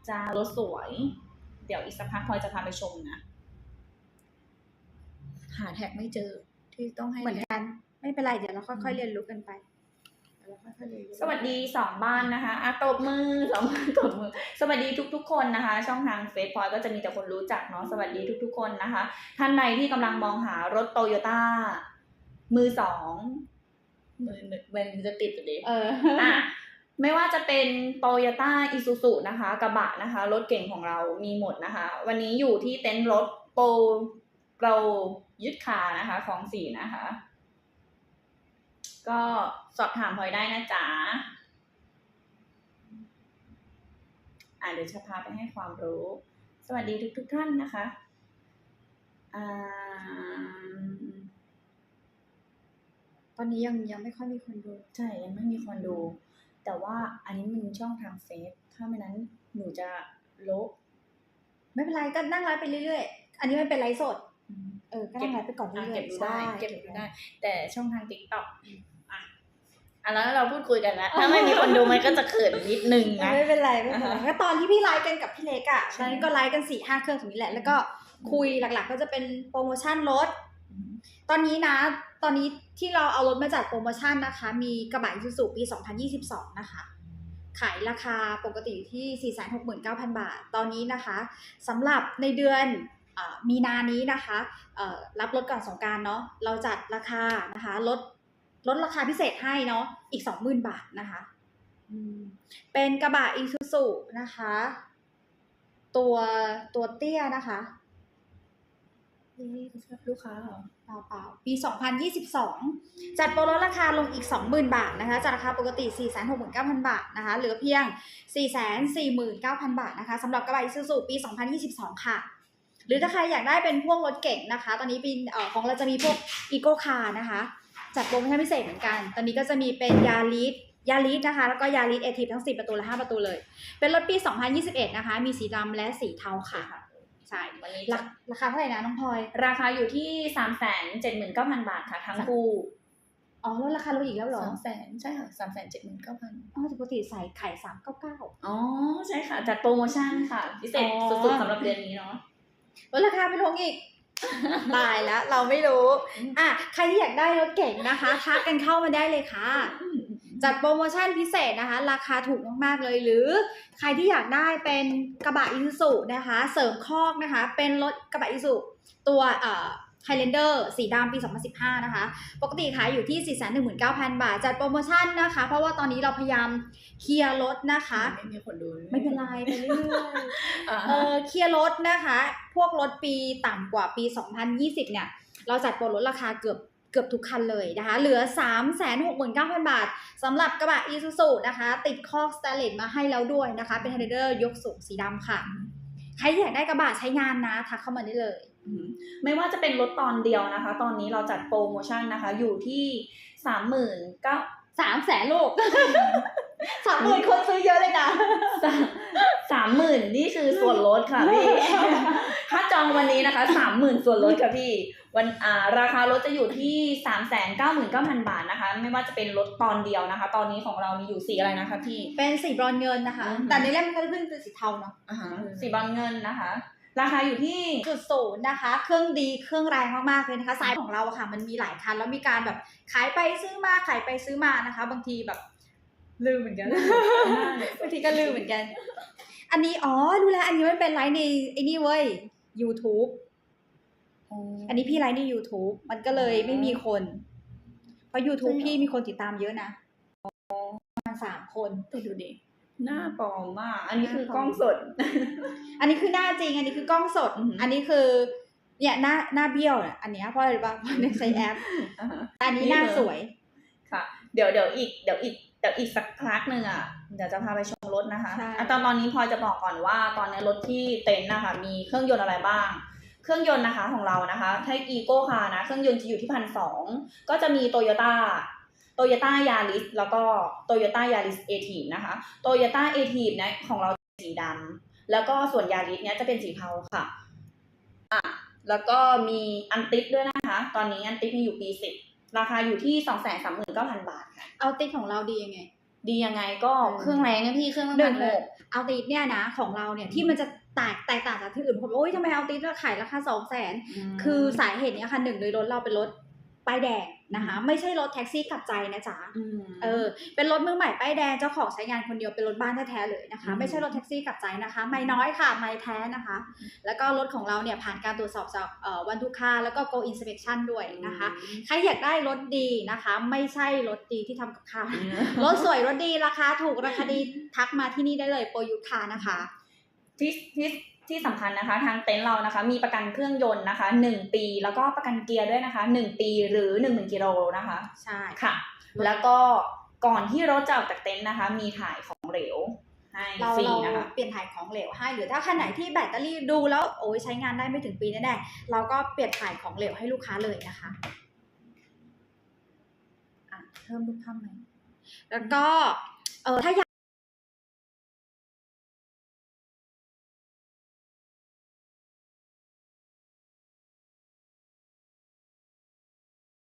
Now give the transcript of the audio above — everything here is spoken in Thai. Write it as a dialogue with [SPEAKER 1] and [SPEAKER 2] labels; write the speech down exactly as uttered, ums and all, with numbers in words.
[SPEAKER 1] จ้ารถสวยเดี๋ยวอีกสักพักพลอยจะพาไปชมนะหาแท็กไม่เจอที่ต้องให้
[SPEAKER 2] เหมือนกันไม่เป็นไรเดี๋ยวเราค่อยๆเรียนรู้กันไป
[SPEAKER 1] สวัสดีสองบ้านนะคะอ่ะตบมือสองบ้านตบมือสวัสดีทุกๆคนนะคะช่องทางเฟซพลอยก็จะมีแต่คนรู้จักเนาะสวัสดีทุกๆคนนะคะท่านใดที่กำลังมองหารถโตโยต้ามือสองมือมันจะติดอยู่ดิเอออ่ะไม่ว่าจะเป็นโตโยต้าอิซูซุนะคะกระบะนะคะรถเก่งของเรามีหมดนะคะวันนี้อยู่ที่เต็นท์รถโปรโปรยึดคานะคะของสีนะคะก็สอบถามพลอยได้นะจ๊ะอ่ะเดี๋ยวจะพาไปให้ความรู้สวัสดีทุกทุกท่านนะคะอ่า
[SPEAKER 2] ตอนนี้ยังยังไม่ค่อยมีคนดู
[SPEAKER 1] ใช่ยังไม่มีคนดูแต่ว่าอันนี้มันช่องทางเฟซถ้าไม่นั้นหนูจะลบ
[SPEAKER 2] ไม่เป็นไรก็นั่งไลฟ์ไปเรื่อยๆอันนี้มันเป็นไลฟ์สดเออก็นั่งไลฟ์ไปก่อนเรื่อยๆ
[SPEAKER 1] เก็บดูได้เก็บดูได้แต่ช่องทาง TikTok อ่ะอ่ะแล้วเราพูดคุยกันแล้วถ้าไม่มีคนดูมันก็จะเขินนิดนึงนะ
[SPEAKER 2] ไม่เป็นไรไม่เป็นไรก็ตอนที่พี่ไลฟ์กันกับพี่เล็กอ่ะตอนนี้ก็ไลฟ์กันสี่ห้าเครื่องตรงนี้แหละแล้วก็คุยหลักๆก็จะเป็นโปรโมชั่นรถตอนนี้นะตอนนี้ที่เราเอารถมาจัดโปรโมชั่นนะคะมีกระบะ Isuzu ปีสองพันยี่สิบสองนะคะขายราคาปกติที่ สี่แสนหกหมื่นเก้าพัน บาทตอนนี้นะคะสำหรับในเดือนมีนานี้นะคะรับรถก่อนสงกรานต์เนาะเราจัดราคานะคะลดลดราคาพิเศษให้เนาะอีก สองหมื่น บาทนะคะเป็นกระบะ Isuzu นะคะตัวตัวเตี้ยนะคะ
[SPEAKER 1] นี่ลูกค้าเหรอ
[SPEAKER 2] เปล่าๆปีสองพันยี่สิบสองจัดโปรลดราคาลงอีก สองหมื่น บาทนะคะจากราคาปกติ สี่แสนหกหมื่นเก้าพัน บาทนะคะเหลือเพียง สี่แสนสี่หมื่นเก้าพัน บาทนะคะสำหรับกระบะ Isuzu ปีสองพันยี่สิบสองค่ะหรือถ้าใครอยากได้เป็นพวกรถเก๋งนะคะตอนนี้ปีเอ่อของเราจะมีพวก Eco Car นะคะจัดโปรโมชั่นพิเศษเหมือนกันตอนนี้ก็จะมีเป็นยาริสยาริสนะคะแล้วก็ยาริสเอทีฟทั้งสี่ประตูและห้าประตูเลยเป็นรถปีสองพันยี่สิบเอ็ดนะคะมีสีดำและสีเทาค่ะใช่วันนี้ราคาเท่าไหร่นะน้องพลอย
[SPEAKER 1] ราคาอยู่ที่ สามแสนเจ็ดหมื่นเก้าพัน บาทค่ะทั้งคู่
[SPEAKER 2] อ๋อแล้วราคาลดอีกแล้วเหรอ
[SPEAKER 1] สามแสน ใช่ค่ะ สามแสนเจ็ดหมื่นเก้าพัน
[SPEAKER 2] อ๋อปกติใส่ไข่สามร้อยเก้าสิบเก้า
[SPEAKER 1] อ๋อใช่ค่ะจัดโปรโมชั่นค่ะพิเศษสุดๆสำหรับเดือนนี้เนาะ
[SPEAKER 2] ลดราคาไปลงอีกตายแล้วเราไม่รู้อ่ะใครที่อยากได้รถเก๋งนะคะทักกันเข้ามาได้เลยค่ะจัดโปรโมชั่นพิเศษนะคะราคาถูกมากๆเลยหรือใครที่อยากได้เป็นกระบะ Isuzu นะคะเสริมคอกนะคะเป็นรถกระบะ Isuzu ตัวเอ่อ Highlander สีดำปีสองพันสิบห้านะคะปกติขายอยู่ที่ สี่แสนหนึ่งหมื่นเก้าพัน บาทจัดโปรโมชั่นนะคะเพราะว่าตอนนี้เราพยายามเคลียร์รถนะคะ
[SPEAKER 1] ไม่มีคนดู
[SPEAKER 2] ไม่เป็นไรไปเรื่อยๆเออเคลียร์รถนะคะพวกรถปีต่ำกว่าปีสองพันยี่สิบเนี่ยเราจัดโปรลดราคาเกือบเกือบทุกคันเลยนะคะเหลือ สามแสนหกหมื่นเก้าพัน บาทสำหรับกระบะ Isuzu นะคะติดคอกสแตนเลสมาให้แล้วด้วยนะคะเป็น Highlander ยกสูงสีดำค่ะใครอยากได้กระบะใช้งานนะทักเข้ามาได้เลย
[SPEAKER 1] ไม่ว่าจะเป็นรถตอนเดียวนะคะตอนนี้เราจัดโปรโมชั่นนะคะอยู่ที่ สามหมื่นเก้า
[SPEAKER 2] สามแสนลูก สามหมื่นคนซื้อเยอะเลยนะ
[SPEAKER 1] สามหมื่นนี่คือส่วนลดค่ะพี่ ถ้าจองวันนี้นะคะ สามหมื่น ส่วนลดค่ะพี่วันอ่าราคารถจะอยู่ที่ สามแสนเก้าหมื่นเก้าพัน บาทนะคะไม่ว่าจะเป็นรถตอนเดียวนะคะตอนนี้ของเรามีอยู่สีอะไรนะคะพี่
[SPEAKER 2] เป็นสีบรอนซ์เงินนะคะแต่ในเล่มก็ขึ้นเป็นสีเทาเนาะ
[SPEAKER 1] สีบรอนซ์เงินนะคะราคาอยู่ที่
[SPEAKER 2] จุดศูนย์นะคะเครื่องดีเครื่องแรงมากๆเลยนะคะสายของเราอะค่ะมันมีหลายคันแล้วมีการแบบขายไปซื้อมาขายไปซื้อมานะคะบางทีแบบลืมเหมือนกันบางทีก็ลืมเหมือนกันอันนี้อ๋อรู้แล้วอันนี้มันเป็นไลฟ์ในไอ้นี่เว้ย YouTube อันนี้พี่ไลฟ์ใน YouTube มันก็เลยไม่มีคนเพราะ YouTube พี่มีคนติดตามเยอะนะประมาณสามคน
[SPEAKER 1] ไปดูดิหน้าปลอมมากอันนี้คือกล้องสด
[SPEAKER 2] อันนี้คือหน้าจริงอันนี้คือกล้องสดอันนี้คือเนี่ยหน้าหน้าเบี้ยวเนี่ยอันนี้เพราะอะไรบ้างเพราะในใช้แอปอันนี้หน้าสวย
[SPEAKER 1] ค่ะเดี๋ยวเดี๋ยวอีกเดี๋ยวอีกเดี๋ยวอีกสักพักหนึ่งอ่ะเดี๋ยวจะพาไปชมรถนะคะตอนตอนนี้พลอยจะบอกก่อนว่าตอนนี้รถที่เต็นท์นะคะมีเครื่องยนต์อะไรบ้างเครื่องยนต์นะคะของเรานะคะถ้า Eco Car นะเครื่องยนต์จะอยู่ที่พันสองก็จะมี Toyotaโตโยต้ายาริสแล้วก็โตโยต้ายาริสเอทีฟนะคะโตโยต้าเอทีฟเนี่ยของเราสีดำแล้วก็ส่วนยาริสเนี่ยจะเป็นสีเทาค่ะอ่ะแล้วก็มีอันติดด้วยนะคะตอนนี้อันติดมีอยู่ปีสิบราคาอยู่ที่ สองแสนสามหมื่นเก้าพัน บาทค่ะ
[SPEAKER 2] เอาติดของเราดียังไง
[SPEAKER 1] ดียังไงก็เครื่องแรงเนี่ยพี่เครื่องละ
[SPEAKER 2] หนึ่
[SPEAKER 1] พั
[SPEAKER 2] ง
[SPEAKER 1] น
[SPEAKER 2] เล
[SPEAKER 1] ห
[SPEAKER 2] ย
[SPEAKER 1] ก
[SPEAKER 2] เอาติดเนี่ยนะของเราเนี่ยที่มันจะแตกแตกต่างจากที่อื่นผมโอ้ยทำไมเอาติดเราขายราคาสองแสนคือสาเหตุเนี้ยค่ะหนึ่งเลยรถเราเป็นรถป้ายแดงนะคะไม่ใช่รถแท็กซี่กลับใจนะจ๊ะเออเป็นรถมือใหม่ป้ายแดงเจ้าของใช้งานคนเดียวเป็นรถบ้านแท้ๆเลยนะคะไม่ใช่รถแท็กซี่กลับใจนะคะไม่น้อยค่ะไม่แท้นะคะแล้วก็รถของเราเนี่ยผ่านการตรวจสอบจากเอ่อวันทุกค่าแล้วก็ go inspection ด้วยนะคะใครอยากได้รถดีนะคะไม่ใช่รถดีที่ทำกับข้าวรถสวยรถดีราคาถูกราคาดีทักมาที่นี่ได้เลยโปรยุทธานะคะ
[SPEAKER 1] ที่ที่ที่สำคัญนะคะทางเต็นท์เรานะคะมีประกันเครื่องยนต์นะคะหนึ่งปีแล้วก็ประกันเกียร์ด้วยนะคะหนึ่งปีหรือ หนึ่งหมื่น กิโลนะคะ
[SPEAKER 2] ใช่
[SPEAKER 1] ค่ะแล้วก็ก่อนที่รถจะออกจากเต็นท์นะคะมีถ่ายของเหลวให้ฟรีนะคะ
[SPEAKER 2] เปลี่ยนถ่ายของเหลวให้หรือถ้าคันไหนที่แบตเตอรี่ดูแล้วโอ้ยใช้งานได้ไม่ถึงปีแน่ๆเราก็เปลี่ยนถ่ายของเหลวให้ลูกค้าเลยนะคะอ่ะเพิ่มรูปภาพไหมแล้วก็เออถ้าอยาก